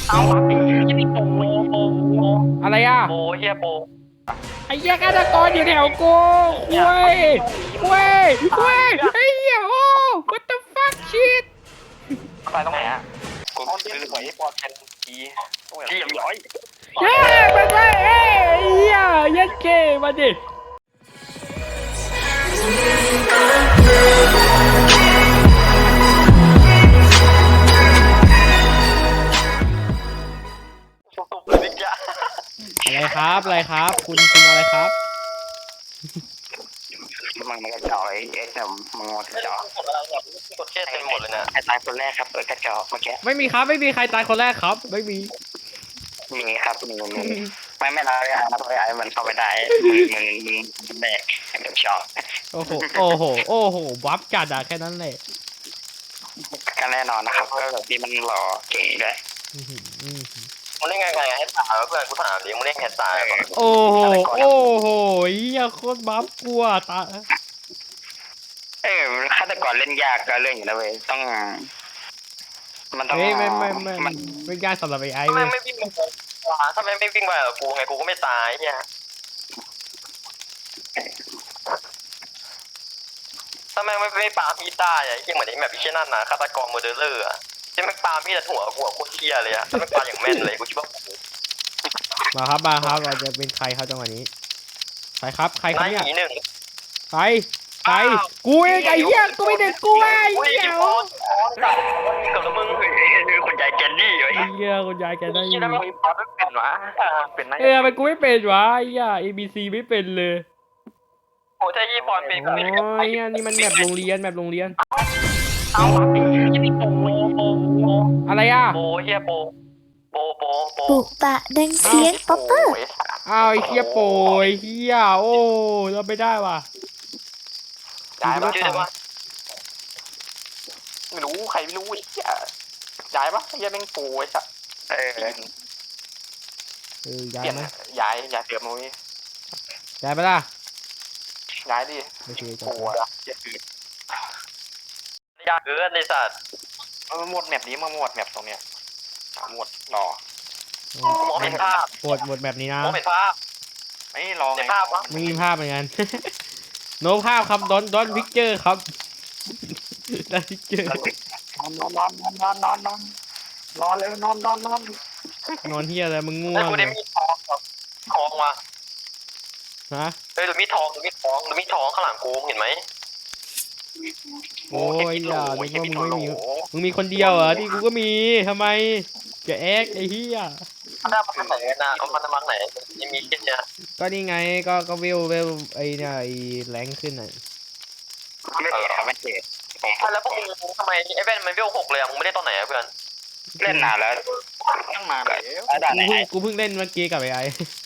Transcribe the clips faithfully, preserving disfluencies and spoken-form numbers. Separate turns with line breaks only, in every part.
เอาไอ้ยี่นี่โปโปโปโป
อะไรอ่ะ
โปเฮียโป
ไอ้เหี้ยฆาตกรอยู่แถวกูคุยคุยคุยไอ้เหี้ยโอ้ what the fuck shit
ไปตรงไหนอ่ะกูซื้อหวยปอดเป็นทีทีอย่างย้อย
เย้มาไปเอ้ยไอ้เหี้ยยัดเกมาดิ
สุบๆเลยนิกยะ
อะไรครับอะไรครับคุณคุณอะไรครับ
มึงมันกระจอกไอ้เอ็กซ์เนี่ยมึงกระจอก
กดแค่เต็มหมดเลยนะ
ไอ้ตายคนแรกครับเออกระจอกเมื่อกี้
ไม่มีครับไม่มีใครตายคนแรกครับไม่มี
มีครับมีมีไม่ไม่เราไอ้นะเพราะไอ้มันเข้าไปได้มึงมึงมึงแบกไอ้กระจอก
โอ้โหโอ้โหโอ้โหวับจัดอะแค่นั้นแหละ
ก็แน่นอนนะครับก็แบบที่มันหล่อเก่งด้วย
มึงเล่นไงไงให้ตายเพื่อนกูถามดิมึงเล่นแค่ตาย
โอ้โหโอ้โหเหี้ยโคตรบัฟกลัวตา
เออฆาตกรเล่นยากก็เรื่องอยู่นะเว้ยต้องมันต้อง
ไม่ไม่ไม่ไม่มันไม่ยากสำหรับไอ้ไอ้
ทำไม
เว้ย
ไม่วิ่งไปถ้าไม่ไม่วิ่งไปกับกูไงกูก็ไม่ตายเนี่ยถ้าแม่งไม่ไม่ปาพี่ตายอ่ะที่เหมือนไอ้แบบพี่เช่นนั่นนะฆาตกรโมเดลเลอร์อ่ะที่แม่งปาพี่แต่หัวหัวโคตรเที่ยเลยอ่ะถ้าแม่งปาอย่างแม่นเลยกูคิดว่า
มาครับมาครับเราจะเป็นใครครับจังหวะนี้ใครครับใครครับเนี่ย
หนึ่ง
ใครใครกูเองไอ้เหี้ยกูไม่ได้กูไอ้เหี้ย
กับมึง
คนใหญ่แกนดี้ไอ้
ไอ้เหี้ยคุณยายแกได้ยิน
แล้วมึงพอไม่เป็นวะเป็นไง
เออมันกูไม่เป็นวะไอ้เหี้ย A B C ไม่เป็นเลย
โอ้ถ้ายี่ปอนเป็นกู
โอ้
ไม่ได้
ยเหี้ยนี่มันแบบโรงเรียนแบบโรงเรียน
เอาไอ้ยี่นี่โปโปโปโป
อะไรอ่ะ
โปเฮียโปโปโปโป
ปุปะดังเสียงป๊อปเปอร์
อ้าวไอ้เหี้ยโปยเหี้ยโอ้เราไม่ได้ว่ะ
ย้ายปะย้ายปะไม่รู้ใครไม่รู้ไอ้เหี้ยย้ายปะเฮียแม่งโปไอ้สัส
เออ
เออย้าย
เปลี่ยน
ไหม
ย้ายย้ายเปลี่ยนมุ้ย
ย้ายไปล่ะ
ย้ายดิ
โอเคจ
โป
บ
อะอย่าคืนยากเกินไอ้สัสเออหมดแมปนี้มาหมดแมปตรงเนี้ยหมดรอมองเห็นภาพ
ปวดหมดแบบนี้นะ
มองเห็นภาพไม่รอไงภาพวะ
ไม่มีภาพเหมือนกัน โนภาพครับดอนดอนพิกเจอร์ครับดอนพิกเจอร์
นอนนอนนอนนอนนอนนอนเลยนอนนอนนอน
นอนเฮียอะไรมึงง่ว
ไอ้
ง
กู
เล
ได้
ย
มีทองทองมา
ฮะ
เฮ้ยหรือมีทองหรือมีทองหรือมีทองข้างหลังกูเห็นไหม
โอ้ยอย่านึกว่ามึงไม่มีมึงมีคนเดียวเหรอที่กูก็มีทำไมจะแอกไอ้เฮีย
ได้มาทางไหนนะเอามาทางไหนยังมีแค่เนี้ย
ก็นี่ไงก็ก็เวลเวลไอ้เนี่ยไอ้แรงขึ้นอ่ะ
ไม่เจ็บไม่เจ็บ
แล้วพวกมึงทำไมไอ้แว่นมันเวลหกเลยอะมึงไม่ได้ตอนไหนอะเพื่อน
เล่นนานแล้วตั้งนานแล้ว
กูเพิ่งกูเพิ่งเล่นเมื่อกี้กับไอ้ไอ้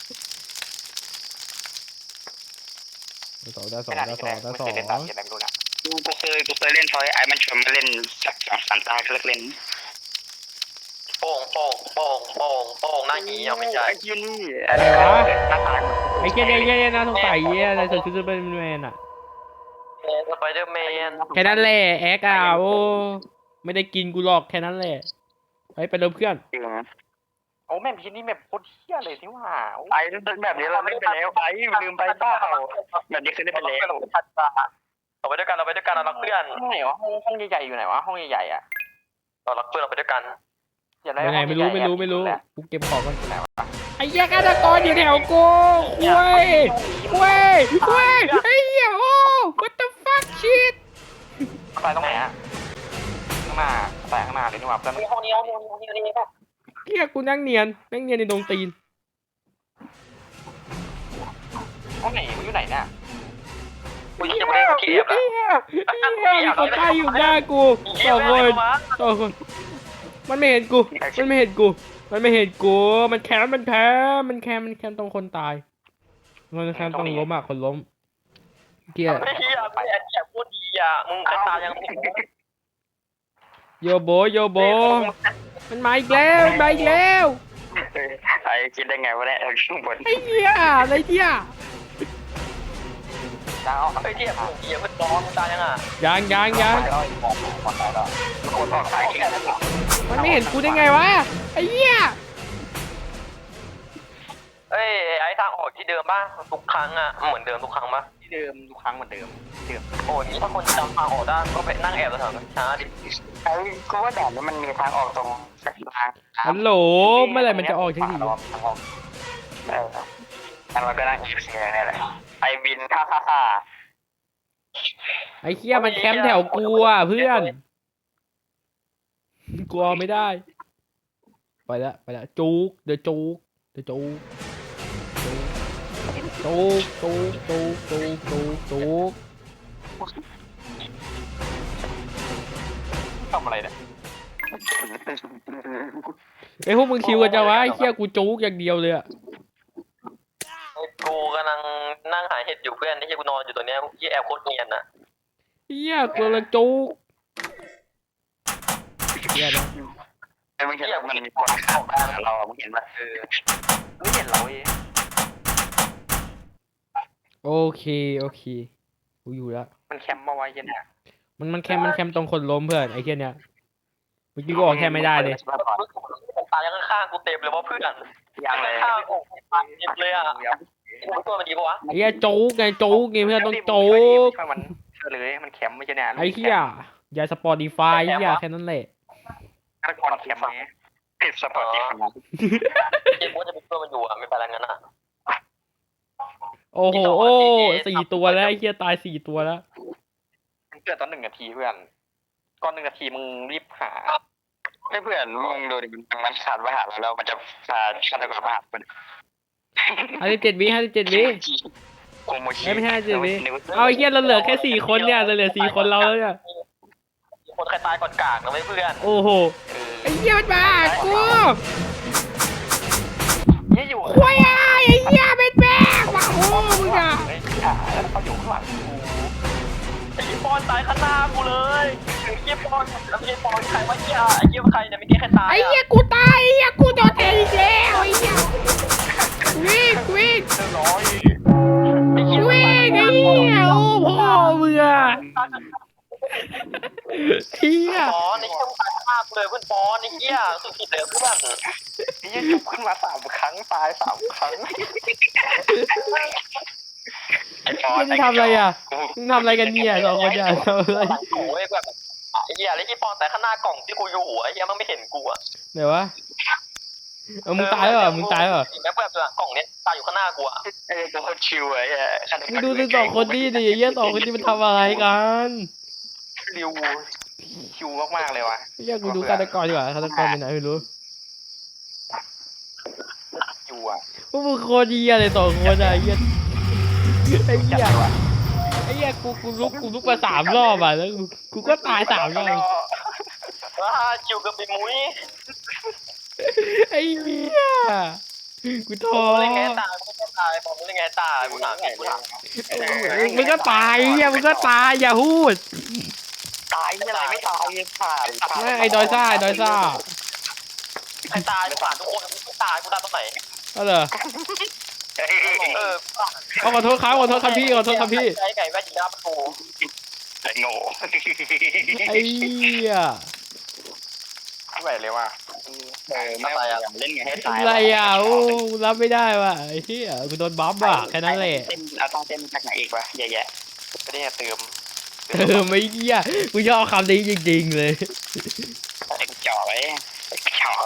สองต่อสองต่อสองต่อสอง
กูเคยกูเคยเล่นทอยไอ้มันชวนมาเล่นสักสองสามตาเลิกเล่น
โป่งโป่งโป่งโป่งโป่งหน้าหีเอาไม่ใช่
ไอ้ยี่นี่
อะไรวะไอ้เจ๊เนี่ยเนี่ยน่าสงสัยเยี่ยอะไรสุดคือเป็นแมนอ่ะ
สไปเดอร์แมน
แค่นั้นแหละแอกอ่ะโอ้ไม่ได้กินกูหรอกแค่นั้นแหละไปไปเริ่มเพื่อน
จริง
โอ้แม่พี่นี่แบบโคตรเที่ยเลยที่ว่า
ไอ้แบบนี้เราเล่นไปแล้วไอ้ลืมไปเปล่าแบบนี้คือเล่นไปแล้ว
เราไปด้วยกันเราไปด้วยกันเรารักเพื่อน
ไหนวะห้องห้องใหญ่ๆอยู่ไหนวะห้องใหญ่ๆอ่ะ
เรารักเพื่อนเราไปด้วยกัน
อย่าได้
ยังไง
ห้อง
ไม่รู้
ใหญ่ๆ
ไม่รู้ไม่รู้
แหละ
กูเก็บของกันไอ้เหี้ยฆาตกรอยู่แถวกูคุยคุยคุยไอ้เหี้ยโอ้ what the fuck shit
ไปตรงไหนอ่ะข้างหน้าไปข้างหน้าเลยนี่หว่าเพื่อน
ห้องนี้ห้องนี้ห้องนี้ห้องนี้
เหี้ยกูนั่งเนียนนั่งเนียนในดงตีน
ห้องไหนมึงอยู่ไหนเนี่ย
กู
เหี้
ยั
ย
งไม่ได้เก็บ
เหี้ยเหี้ยมีคนตายอยู่หน้ากูสองคนสองคนมันไม่เห็นกูมันไม่เห็นกูมันไม่เห็นกูมันแค้นมันแพ้มันแค้นมันแค้นตรงคนตายมันแค้นตรงล้มอ่ะคนล้มเกีย
ไม่เฮียไม่เฮียพูดดีอ่ะมึงตายัง
โยโบโยโบมันมาอีกแล้วมันมาอีกแล้ว
ไอ้คิดได้ไงวะเนี่ยข้างบน
ไอ้เหี้ยอะไรเหี้ย
ดาวไอ้เทียบเฮียมันร้อนมึงตายังอ่ะ
ยังยังยัง
คนออกสายแค่นั้น
มันไม่เห็นกูได้ไงวะไอ้เหี้ย
เอ้ยไอ้ทางออกที่เดิมป่ะทุกครั้งอ่ะเหมือนเดิมทุกครั้งป่ะ
ที่เดิมทุกครั้งเหมือนเดิมเดิม
โอ้ยนี่ถ้าคนจำทางออกได้ก็ไปนั่งแอบแถวๆช้าดิ
ไอ้กูว่าด่านนี้มันมีทางออกตรงกลาง
ฮัลโหลเมื่อไหร่มันจะออกทีที
ทางออก
เออแล้วมันก็นั่งอีเซียนี่แหละไอบินฮ่าฮ่าฮ่า
ไอ้เหี้ยมันแคมป์แถวกูอ่ะเพื่อนกลัวไม่ได้ไปละไปละจุกเดี๋ยวจุกเดี๋ยวจุกจุกจุกจุกจุกจุกจุก
ทำอะไรเนี่ย
ไอ้พวกมึงคิวกันจะวะไอ้เหี้ยกูจุกอย่างเดียวเลยอะ
กูกำลังนั่งหาเห็ดอยู่เพื่อนที่กูนอนอยู่ตัวเนี้ยที่แอบโคตรเนียนอ่ะ
เหี้ยกูกำลังจุกเหี้ยนะ
ไอ้มึงเห็นมันมีคนข้างเรามึงเห็นปะ
เออ
ไม่เห็นเราเอง
โอเคโอเคกูอยู่แล้ว
มันแคมป์มาไว้ยันเนี่ย
มันมันแคมป์มันแคมป์ตรงคนล้มเพื่อนไอ้เหี้ยเนี่ยเมื่อกี้กูออกแคมป์ไม่ได้เลย
ตายยังข้างๆกูเต็มเลยว่าเพื่อน
ยังเลย
ข้างๆอกตายเต็มเลยอ่ะกูเป็นตัวมันดีปะวะ
ไอ้เหี้ยจุกไงจุกไงเพื่อนต้องจุก
ช่วยมันช่วยเลยมันแคมป์ไม่ใช่เนี่ย
ไอ้เหี้ยอย่าสปอร์ติฟายเหี้ยแค่นั้นแหละ
ฆาตกรแคมป์ไหม
ผิดสปอร์ตอีก
เกมว่าจะเป็นตัวมันอยู่อ่ะไม่ไปแล้วงั้นอ่ะ
โอ้โหโอ้สี่ตัวแล้วไอ้เหี้ยตายสี่ตัวแล้ว
มันเกิดตอนหนึ่งนาทีเพื่อนก่อนหนึ่งนาทีมึงรีบหา
ไม่เพื่อนมึงดูดิมันมันขาดมาหาเราแล้วมันจะพาฆาตกรมาหามัน
ห้าสิบเจ็ดวิห้าสิบเจ็ดวิ
โกโมชิ
ไม่ใช่สิวิเอาไอ้เหี้ยเราเหลือแค่สี่คนเนี่ยเราเหลือสี่คนเราแล้วเนี่ย
คนใครตายก่อนกากนะไม่เพื่อน
โอ้โหไอ้เหี้ยมันมากู
เนี่ยอยู่
ควายอ่ะไอ้เหี้ยเป็นแบกว่ะโอ้มึงอ่ะ
แล้วเขาอยู่ข้างหลังกู
ไอ้ยี่ปอนตายข้างหน้ากูเลยไอ้ยี่ปอนแล้วไอ้ปอนใครวะเหี้ยไอ้ยี่ใครเนี่ยไม่เกี่ใครตาย
ไอ้เหี้ยกูตายไอ้เหี้ยกูโดนแทงอีกแล้วไอ้เหี้ยวิ่งวิ่ง
เรียบร้อย
ไอ้ยี่
วิ่งไอ้เหี้ยโอ้พ่อมึงอ่ะเหี้ย
ปอนไอ้ยี่ตายข้างหน้ากูเลยเพื่อนปอนไอ้เหี้ยสุดผิดเลยเพื่อน
นี่จุบขึ้นมาสามครั้งตายสามครั้ง
ไม่ได้ทำอะไรอ่ะมึงทำอะไรกันเนี่ยสองคนเนี่ยทำอะไร
กูไอ้แบบไอ้เหี้ยไอ้ยี่ปอนแต่ข้างหน้ากล่องที่กูอยู่หัวไอ้เหี้ยมันไม่เห็นกูอ่ะ
ไหนวะเออมึงตายเหรอมึงตายเหรอ
แม่แบบกล่องเนี้ยตายอยู่ข้างหน้ากูอ่ะ
ไอ้ตัวคนชิวไอ้
มึงดูสิสองคนนี้ดิไอ้เหี้ยสองคนนี้มันทำอะไรกัน
ริวคิวมากๆเลยว่ะ
ไอ้เหี้ยกูดูฆาตกรดีกว่าฆาตกรเป็นไหนไม่รู้
คิวอ่ะ
พวกมึงโคตรเหี้ยเลยสองคนอ่ะไอ้เหี้ยไอ้เหี้ยไอ้เหี้ยกูกูลุกกูลุกมาสามรอบอ่ะแล้วกูกูก็ตายสามรอบ
ว้าคิวกับปีมุ้ย
ไอ้เหี้ยกูท้อ
มึงเล่นไงตายมึงก็ตายบอกมึงเล่นไงตายกูถามไงกูถาม
มึงก็ตายไอ้เหี้ยมึงก็ตายอย่าพูด
ตายอะไรไม่ตายผ่าน
ไม่ไอ้ดอยซ่าไอ้ดอยซ่า
ใครตายกูถามทุกคนกูตายกูตายตรงไหน
ก็เหรอ
เออ
เอาขอโทษครับขอโทษครับพี่ขอโทษครับพี่
ไก่ไก่แม่จีน่าประตู
ไอ้โง่
ไอ้เหี้ย
ไม่ไหวเลยว่ะ
เออไม่อะไรเล่นไงให้ตาย
อะไรอ่ะโอ้รับไม่ได้ว่ะไอ้เหี้ยกูโดนบัฟอ่ะแค่นั้นแหละ
เต้นเอาต้องเต้นจากไหนอีกวะเยอะแยะ
ไม่ได้เติม
เออไม่เหี้ยกูชอบคำนี้จริงๆเลย
ไอ้จ่อไว้จ่อ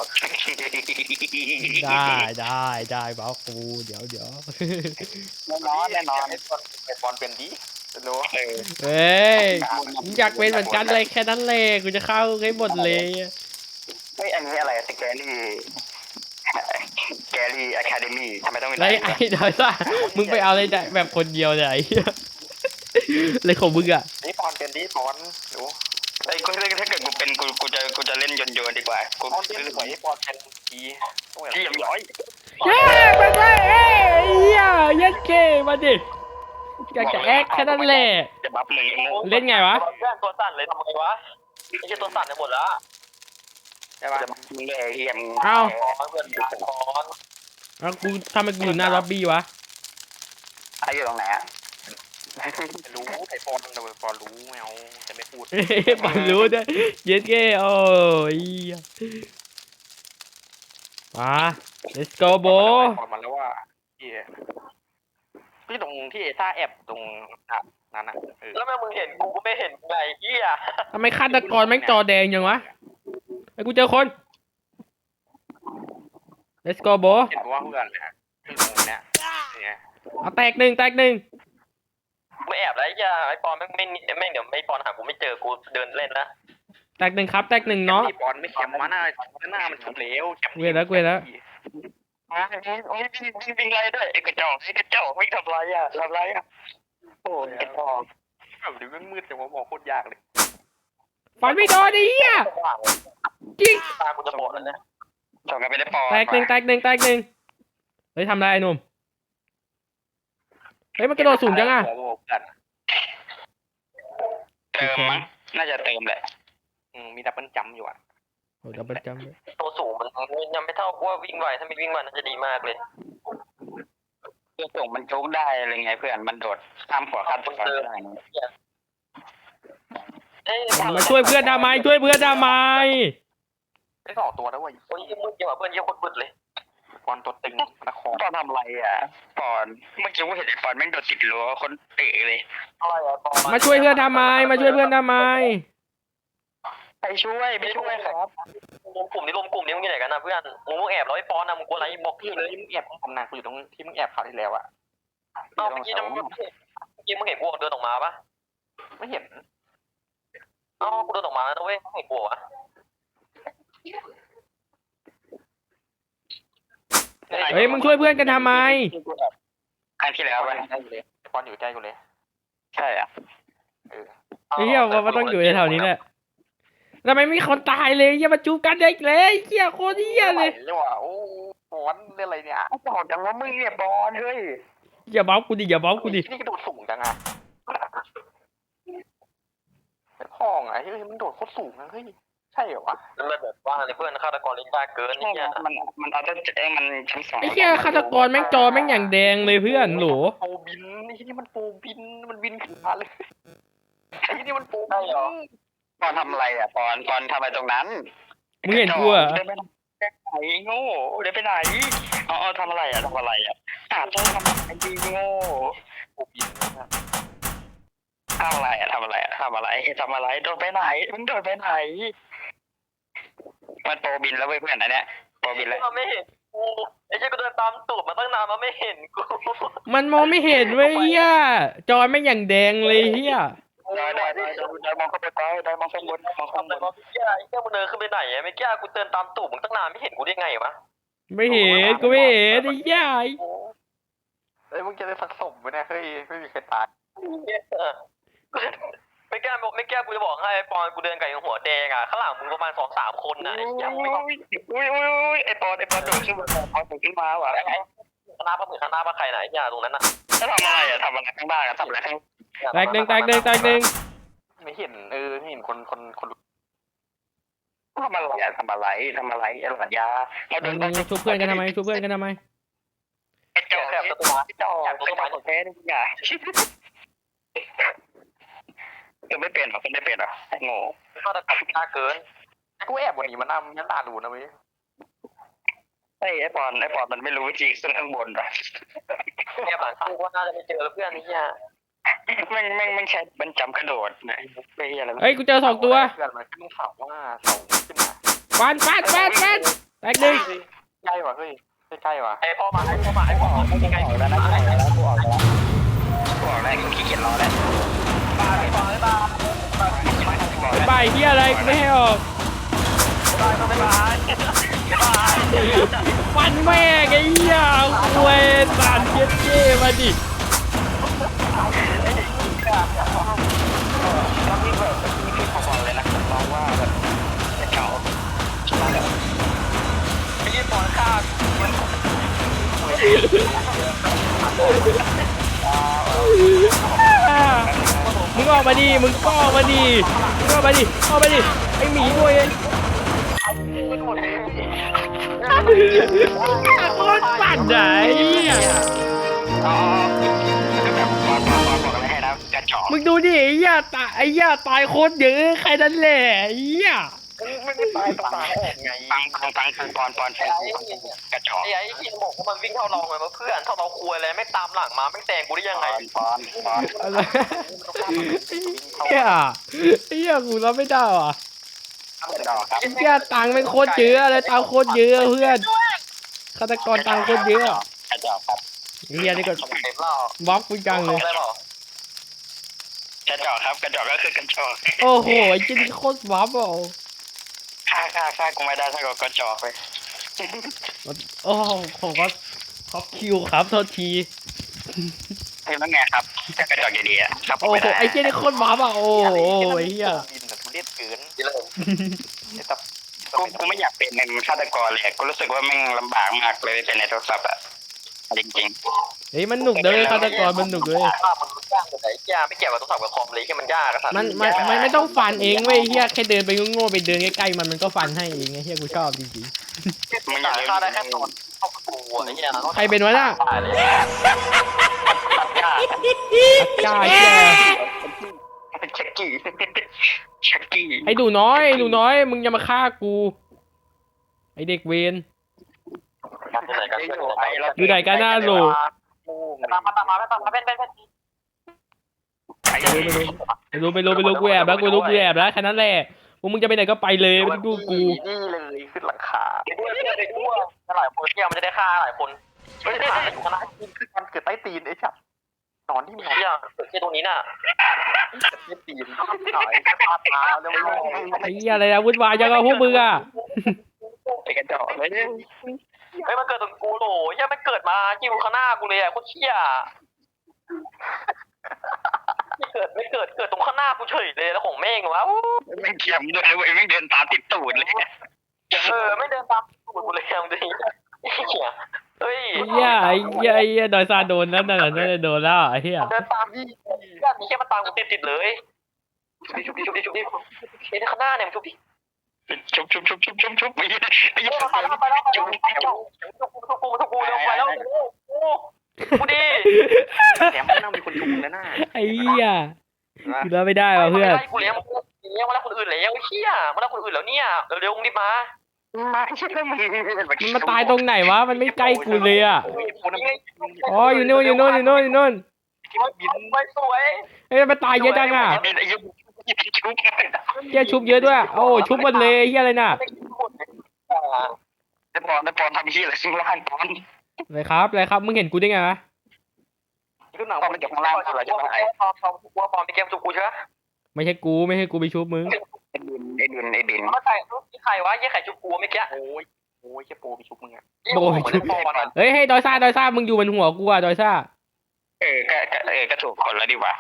ได้ได้ได้บัฟกูเดี๋ยวเดี๋ยว
แน่นอนแน่นอน
ไอ้บอลไอ้บอลเป็นดีรู้
เออ
เฮ้ยมึงอยากเป็นเหมือนกันเลยแค่นั้นเลยกูจะเข้าให้หมดเลย
เฮ้ยอันนี้อะไรสแกรี่แกรี่อะคาเดมี่ทำไมต้องมี
ไรไอ้ดอยซ่ามึงไปเอาอะไรแบบคนเดียวเนี่ยไอ้เหี้ยเลยของมึงอ่ะ
นี่บอลเป็นดีบอลรู้
ไอ้กูถ้าเกิดกูเป็นกูกูจะกูจะเล่นโยนโยนดีกว่ากู
บอลเป็นสวยบอลเป็นดีต้องแบบ
ที่ยำย้อย
เย้ไปไปเอ้ยไอ้เหี้ยยัดเคมาดิอยากจะแอคแค่นั้นแหละ
จะบัฟมึงโง่
เล่นไงวะ
เพื่อนตัวสั่นเลยทำไงวะไม่ใช่ตัวสั่นในหมดแล้ว
ใช่ป่ะ
จะบัฟมึงเลยเฮียม
เอ้า
ขอเพื่อนขอ
แล้วกูทำไมกูอยู่หน้าล็อบบี้วะ
ไอ้อยู่ตรงไหนอ่ะ
รู้ไอ้ปอนแต่ปอนรู้ไม่เอาจะไม่พูด
เฮ้ยปอนรู้ด้วยเย็ดเก้โอ้ยมา let's go โบ
ปอนมาแล้วว่าที่ที่ตรงที่เอซ่าแอบตรงนั้นน่ะเออ
แล้วแม่มึงเห็นกูก็ไม่เห็นไงเฮีย
ทำไมฆาตกรแม่งจอแดงยังวะไอ้กูเจอคน let's go โบ
เห็นว่าเพื่อนเลยฮะตรงเนี้ยเนี่ย
เอาแตกหนึ่งแตกหนึ่ง
ไม่แอบแล้วไอ้เหี้ยไอ้ปอนแม่งไม่แม่งเดี๋ยวไม่ปอนหากูไม่เจอกูเดินเล่นนะ
แตกหนึ่งครับแตกหนึ่งเนาะ
ปอนไม่เข็มมาหน้าหน้ามันฉุนเหลว
เว้ยแล้วเว้ยแล้ว
โอ้ยวิ่งวิ่งวิ่งไรด้วยไอ้กระจอกไอ้กระจอกวิ่งทำไรอ่ะทำไรอ่ะโอ้ยกระจอก
แบบดูมันมืดแต่ว่ามองโคตรยากเลย
ฟันไม่โดนไอ้เหี้ยจริง
ตากูจะบอดแล้วนะ
จอกกันไปได้ปอ
แตกหนึ่งแตกหนึ่งแตกหนึ่งเฮ้ยทำไรไอ้หนุ่มเฮ้ยมันกระโดดสูงจังอะ
หัวโบกัน
เติมมั้งน่าจะเติมแหละ
อืมมีดับเบิลจัมอยู่อ่ะ
โอ้ดับเบิลจัมป์เลย
ตัวสูงมันยังไม่เท่าว่าวิ่งไวถ้ามีวิ่งไวน่าจะดีมากเลย
เพื่อส่งมันโจ๊กได้อะไรไงเพื่อนมันโดดข้ามหัวข้ามตัวได้
เอ้ย
มาช่วยเพื่อนทำไมช่วยเพื่อนทำไม
ได้สองตัวแล้วเว้ย
โอ้ยมึงเกี่ยวกับเพื่อนเยอะคนบึดเลย
ปอนตัวตึงนคร
ปอนทำไรอ่ะปอนเมื่อกี้กูเห็นไอ้ปอนแม่งโดดติดรั้วคนเตะเลย
อะไรอะปอน
มาช่วยเพื่อนทำไมมาช่วยเพื่อนทำไม
ไปช่วยไปช่วยครับ
รวมกลุ่มนี้รวมกลุ่มนี้มึงอยู่ไหนกันนะเพื่อนมึงมึงแอบแล้วไอ้ปอนนะมึงกลัวอะไรบอกพี่
พี่
เล
เลย ยมึงแอบทำนานกูอยู่ตรงที่มึงแอบข่าวที่แล้วอ่ะ
เอ้าเมื่อกี้มึงเมื่อกี้มึงเห็นกูเดินออกมาปะ
ไม่เห็น
เอ้ากูเดินออกมาแล้วเว้ยไม่เห็นกูวะ
เฮ้ยมึงช่วยเพื่อนกันทำไม
ครั้งที่แล้วไป
ปอนอยู่ใกล้กูเลย
ใช่อ่ะ
เออ
ไอ้เหี้ยว่าต้องอยู่ในแถวนี้แหละทำไมไม่มีคนตายเลยอย่ามาจูบกันเด็กเลยเหี้ยโคตรเหี้ยเลย
เรียกว่าโอ้ปอนเรื่องอะไรเนี่ย
บอกจังว่ามึงเนี่ยบอลเฮ้ย
อย่าเบ้ากูดิอย่าเบ้ากูดิ
นี่กระโดดสูงจังอ่ะไอ้พ่องอ่ะเฮ้ยมันโดดโคตรสูงนะเฮ้ยใช่เหรอวะ
แล้วมันแบบว่าในเพื่อนฆาตกรเล่นยากเกิน
ใช่
นี่เนี่ย
มันมันเอาจะเอ้มันชั้นสอง
ไอ้เหี้ยฆาตกรแม่งจอแม่งอย่างแดงเลยเพื่อนโหล
โปบินไอ้ที่นี่มันโปบินมันบินขึ้นมาเลยไอ้ที่นี่มันโปบิน
ปอนทำอะไรอ่ะปอนปอนทำอะไรตรงนั้น
มึงเห็นกูเหรอ
เดินไปไหนโง่เดินไปไหนอ๋อทำอะไรอ่ะทำอะไรอ่ะหาเจอทำอะไรดีโง่
โปบินนะครับ
ทำอะไรอ่ะทำอะไรอ่ะทำอะไรทำอะไรโดนไปไหนมึงโดนไปไหนมันโปรบินแล้วเว้ยเพื่อนอันเนี้ยโปรบินแล้ว
มันไม่เห็นกูไอ้เจ้าก็เดินตามตูดมาตั้งนานมันไม่เห็นกู
มันมองไม่เห็นเว้ยเหี้ยจอแม่งอย่างแดงเลยเหี้ย
ได้ได้ได้ได้มองเข้าไปใต้ได้มองข้างบนมองข้างบ
แต่
น
ก็พี่แก้ไอ้แก้มึงเดินขึ้นไปไหนอะไม่แก้กูเดินตามตูดมึงตั้งนานไม่เห็นกูได้ไงวะ
ไม่เห็นกูไม่เห็นไอ้เหี้ย
เอ้ยมึงจะได้สักศพไหมเนี่ยเฮ้ยไม่มีใครตาย
ไม่แก้ไม่แก้กูจะบอกให้ไอ้ปอนกูเดินกับหัวแดงอ่ะข้างหลังมึงประมาณสองสามคนนะไอ้ยังไม่
อุ้ยอุ้ยอุ้ยไอปอนไอปอนโดดขึ้นมาปอนโดดขึ้นมาว่ะ
คณะปะเหมือนคณะปะใครไหนอย่าตรงนั้นน่ะ
จะทำอะไรอ่ะทำอะไรข้างบ้านอ่ะทำอะไรข้าง
แตกหนึ่งแตกหนึ่งแตกหนึ่ง
ไม่เห็นเออไม่เห็นคนคนคน
ทำอะไรอ่ะทำอะไรทำอะไรไอ้หลานยาเราเดิน
มึงชุบเพื่อนกันทำไมชุบเพื่อนกันทำไม
ไอ้จอกไอ้จอกไอ้จอกไอ้จอกแพ้ดิอ่ะคือไม่เป็นหรอคือไม่เป็นหรอไอ้โง่
ฆาตกรรมยากเกิน
กูแอบวันนี้มันน่ามันตาดูนะเว้ย
ไอ้ไอ้ปอนไอ้ปอนมันไม่รู้จริงขึ้นข้างบนหรอ
แอบหลังกูว่าน่าจะไม่เจอเพื่อนนี่ย่า
แม่งแม่งแม่งใช้มันจำกระโดดนะไอ้เหี้ยอะไร
เฮ้ยกูเจอสองตัว
เพื่อนมันขึ้นข่าวว่าเสาขึ้นมา
ฟันฟันฟันฟันแตกหนึ่ง
ใกล้ว่ะเฮ้ยใกล้ว่ะ
ไอ้พ่อมาไอ้พ่อมาไอ้พ่อมาไอ้ไง
ออกแล้วนะออกแล้วกูออกแล้วกูออกแล้วกูขี้เกียจรอแล้ว
ไอ้พ่อไอ้บ้า
ไอ้ใบเหี้ยอะไรกูไม่ให้ออก
ไอ้บ้าไอ้บ้าไอ้บ้า
ฟันแม่งไอ้เหี้ยเวยสารเย็ดเจ้มาดิ
แล้วพี่แบบพี่พี่ขอบอกเลยนะน้องว่าแบบจะเก่า
ไอ้ยี่ปอนฆ่า
อ่ามึงออกมาดิมึงก็ออกมาดิมึงออกมาดิออกมาดิไอ้หมีด้วยไอ้โคตรสั่นไหนเนี่ย
อ๋อคือแบบบอกบอกบอกอะไรให้นะจอก
มึงดูดิไอ้เหี้ยตายไอ้เหี้ยตายโคตรเยอะใครนั่นแหละไอ้เหี้ย
ไม่ไม่ตายตายออกไง
ฟังฟังฟังฟังปอนปอนฟังกระจอก
ไอ้ไอ้ที่บอกว่ามันวิ่งเท่าเราไงวะเพื่อนเท่าเราคุยอะไรไม่ตามหลังมาไม่แซงกูได้ยัง
ป
ไง
อนปอนปอน
อะไรเหี้ยไอ้เหี้ยกูรับไม่ได้ว่ะ
กระจอกครับ
ไอ้เหี้ยตังค์เป็นโคตรเยอะเลยตังค์โคตรเยอะเพื่อนฆาตกรตังค์โคตรเยอะ
กระจอกครับ
ไอ้เหี้ยนี่ก็
เต็มแล้ว
บล็อกกูจังเลย
ได้เปล่าก
ระจอกครับกระจอกก็คือกระจอก
โอ้โหไอ้เจนี่โคตรวับอ่ะ
ฆ่าฆ่าฆ่ากูไม่ได้ถ้ากูกระจอกไป
โอ้โหผมก็ท็อปคิวครับโทษที
เฮ้ยแล้วไงครับก็กระจอกอยู่ดีอะครับ
โอ้โหไอ้เจนี่โคตรวับอ่ะโอ้โหไอ้เหี้ย
ดินแต่ทุเรศเกิน
นี่เลย
ไอ้ตับ
กูกูไม่อยากเป็นเป็นฆาตกรเลยกูรู้สึกว่าแม่งลำบากมากเลยเป็นในโทรศัพท์อะจริง
เฮ้ยมันหนุกเลยฆาตกรมันหนุกเลย
ภาพมันยากกว่าไหนยากไม่เกี่ยวกับต้องสับกับคอมเลยแค่มันยากอะสัตว์
มันมันมันไม่ต้องฟันเองเว้ยเฮียแค่เดินไปโง่ๆไปเดินใกล้ๆมันมันก็ฟันให้เองไงเฮียกูชอบจริง
ๆมึงอย่าลืม
ฆ่าได้แค่ตอนเข้าประตูอะไอ้เหี้ย
ๆใครเป็นวะน่ะ
ตายเลย
กล้าเฮีย
ชักกี้ชักกี้
ไอ้หนูน้อยไอ้หนูน้อยมึงอย่ามาฆ่ากูไอเด็กเวน
อยู่ไหนกัน
อยู่ไหนกันหน้าโหล
ตามมาตามมาตามมาเป็นเป็นเป็น
ไม่รู้ไม่รู้ไม่รู้ไม่รู้กูแอบแล้วกูรู้กูแอบแล้วแค่นั้นแหละพวกมึงจะไปไหนก็ไปเลยไม่ต้องดูกู
นี่เลยขึ้นหลังคา
ไปด้วยไปด้วยไปด้วยหลายคนเที่ยวมันจะได้ฆ่าหลายคนไม่ได้ฆ่าอยู่คณะ
ขึ้นมันเกิดใต้ตีนไอ้ชับนอนที่มัน
เที่ยวเกิดที่ตรงนี้น่ะ
ใต้ตีนหายพาตาแล้วไม่
ไอ้เหี้ยอะไรนะวุ่นวายจังอะพวกมึงอะ
ไอ้กระจอกเลย
เฮ้ยมันเกิดตรงกูโหลยังมันเกิดมายิงข้างหน้ากูเลยอ่ะโคตรเชี่ยไม่เกิดไม่เกิดเกิดตรงข้างหน้ากูเฉยเลยแล้วของแม่งวะ
ไม่เขียมด้วยเว้ยไม่เดินตามติดตูดเลย
เออไม่เดินตามตูดกูเลยเอาดิเหี้ยเฮ้ย
ไอ้เหี้ยไอ้เหี้ยไอ้เหี้ยดอยซาโดนนั่นน่ะนั่นน่ะโดนแล้วไอ้เหี้ย
เดินตามพี่ญาติมีแค่มาตามกูติดติดเลยชุบดิชุบดิชุบดิชุบดิไอ้ข้างหน้าเนี่ยชุบดิ
ชุบชุบชุบชุบชุบชุบไม่ใช่ไม่
เฮ้
ใช่
ยมาไปแล้วไปแล้วไปแล้วชุบกูชุบกูชุบกูเร็วไปแล้วกูกูดิ
แถมมันต้องมีคนชุมแล้วน่า
ไอ้เหี้ยกูรับไม่ได้ว่ะเพื่อน
กูเลี้ยงเลี้ยงมาแล้วคนอื่นแล้วเชี่ยมาแล้วคนอื่นแล้วเนี่ยเร็วๆมึงรีบมา
มาใช่แล้วมึง
มันมาตายตรงไหนวะมันไม่ใกล้กูเลยอะอ๋ออยู่นู่นอยู่นู่นอยู่นู่นอยู่นู่น
บินไปสวย
เฮ้ยมันตายเยอะจังอะ
ไอ้ยุบชุบ
เฮียชุบเยอะด้วยโอ้ชุบหมดเลยเฮียอะไรน่ะ
ไอ้ปอนไอ้ปอนทำที่อะไรซึ่งล่างปอน
อะไรครับอะไรครับมึงเห็นกูได้ไงวะ
ขึ้นหนัง
ปอนมันจากข้างล่างอะไรจะมาไอ้
พอพอพอพอมีเกมสุกูใช่ไหม
ไม่ใช่กูไม่ใช่กูไปชุบมึง
ไอ้ดินไอ้ดินไอ้ดิน
เขาใส่รูปที่ใครวะยี่ไข่จุกูเมื่อกี้
โอ้ยโอ้ยแค่โปรไปชุบมึงอะ
เฮ้ยให้ดอยซ่าดอยซ่ามึงอยู่บนหัวกูอะดอยซ่า
เออก็เออก็ถูกคนแล้วดีกว่า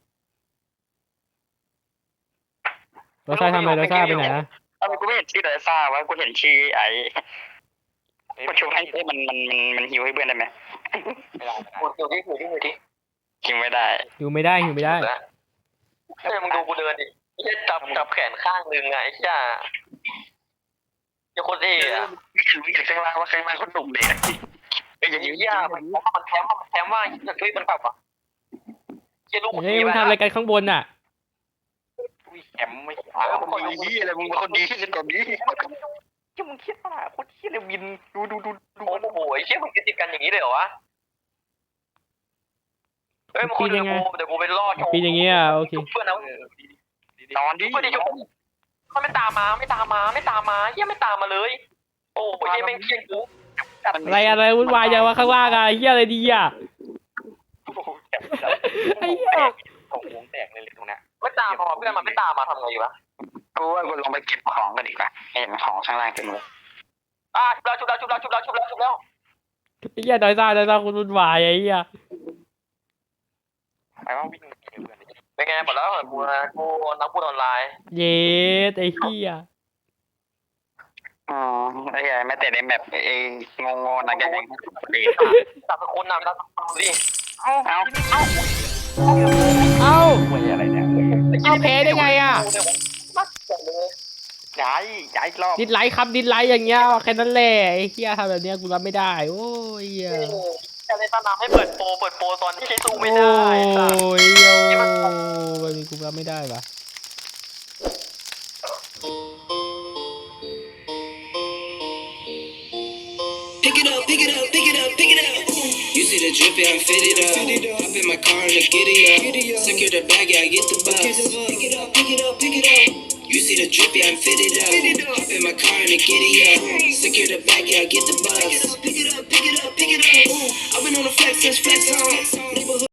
ดอยซ่าทำอะไรดอยซ่าไปไหนอะ
ทำไมกูไม่เห็นชื่อไดซ่าวะกูเห็นชื่อไอ้กูชุบให้มันมันมันมันฮิวให้เพื่อนได้ไหม
ไม่ได้
กูอยู่ที่อยู่ที่อยู่ที่
ฮิวไม่ได้
อยู่ไม่ได้อยู่ไม่ได้
เฮ้ยมึงดูกูเดินดิไอ้จับจับแขนข้างนึงไงไอ้เชี่ยอย่าคนเอ๋อะ
รู้จากข้างล่างว่าข้างล่างคนหนุ่มเลยไอ้อย่าง
ไอ้
นี้
เหี้ยมันมันแถมมันแถมว่าอยากช่วยมันแบบอ่ะเชี่ยลูก
เฮ้ยมึงทำอะไรกันข้างบนอะ
แถมไม่
อ้าวมึงดีอะไรมึงเป็นคนดีที่สุดตอนนี้
ที่มึงคิดว่าโคตรเที่ยเลยวินดูดูดูดู
โอ้โหไอ้เชี่ยมึงติดกันอย่างนี้เลยเหรอวะเฮ้ยมึงคนเดี๋ยวกูเดี๋ยวกูไปรอด
ปีนอย่างเงี้ยโอเค
เพื่อนนะ
นอนดิ
เพื่อนดิมันไม่ตามมาไม่ตามมาไม่ตามมาเฮียไม่ตามมาเลย โอ้ยแม่งเคียงกู
อะไรอะไรวุ่นวายจังวะข้างล่างอะเฮียอะไรดีอะไอ้เหี้ย
ของวงแตกเลยตรงนี้
ไม่ตามมาเพื่อนมันไม่ตามมาทำไงวะ
กูว่ากูลงไปเก็บของกันดีกว่าเห็นของข้างล่างเต็มเลย
อ่ะชุบแล้วชุบแล้วชุบแล้วชุบแล้วชุบแล้วชุบแล้ว
ไอ้เหี้ยดอยซ่าดอยซ่าคุณวุ่นวายไอ้เหี้ย
ไปว่าวิ่งเพื่อน
เป็นไงบอกแล้วกูนะกูนักพูดออนไลน์
เย็ดไอ้เหี้ย
อ๋อไอ้ไอ้แม้แต่ในแมปไอ้งงๆนะแกยังดี
จับคนนำแล้วดิ
เอาเอา
เอ้า
คุยอะไรเนี่ย
เอาแพ้ได้ไงอะ
มัดจังเลย
ย้ายย้ายรอบ
ดิสไลค์ครับดิสไลค์อย่างเงี้ยแค่นั้นแหละไอ้เหี้ยทำแบบเนี้ยกูรับไม่ได้โอ้ยเหี้ย
จะเลยตอนน้ำให้เปิดโปรเปิดโปรตอนที่สู้ไม่
โอ้
ได้สัตว์
ยโย่แบบนี้กูรับไม่ได้ปะ
Pick it up, pick it up, pick it up, pick it up. You see the drip, yeah, I'm fitted up. Hop in my car and the giddy up. Secure the bag, yeah, I get the bus. Pick it up, pick it up, pick it up. You see the drip, yeah, I'm fitted up. Hop in my car and the giddy up. Secure the bag, yeah, I get the bus. Pick it up, pick it up, pick it up, pick it up. I've been on the flex since flex on.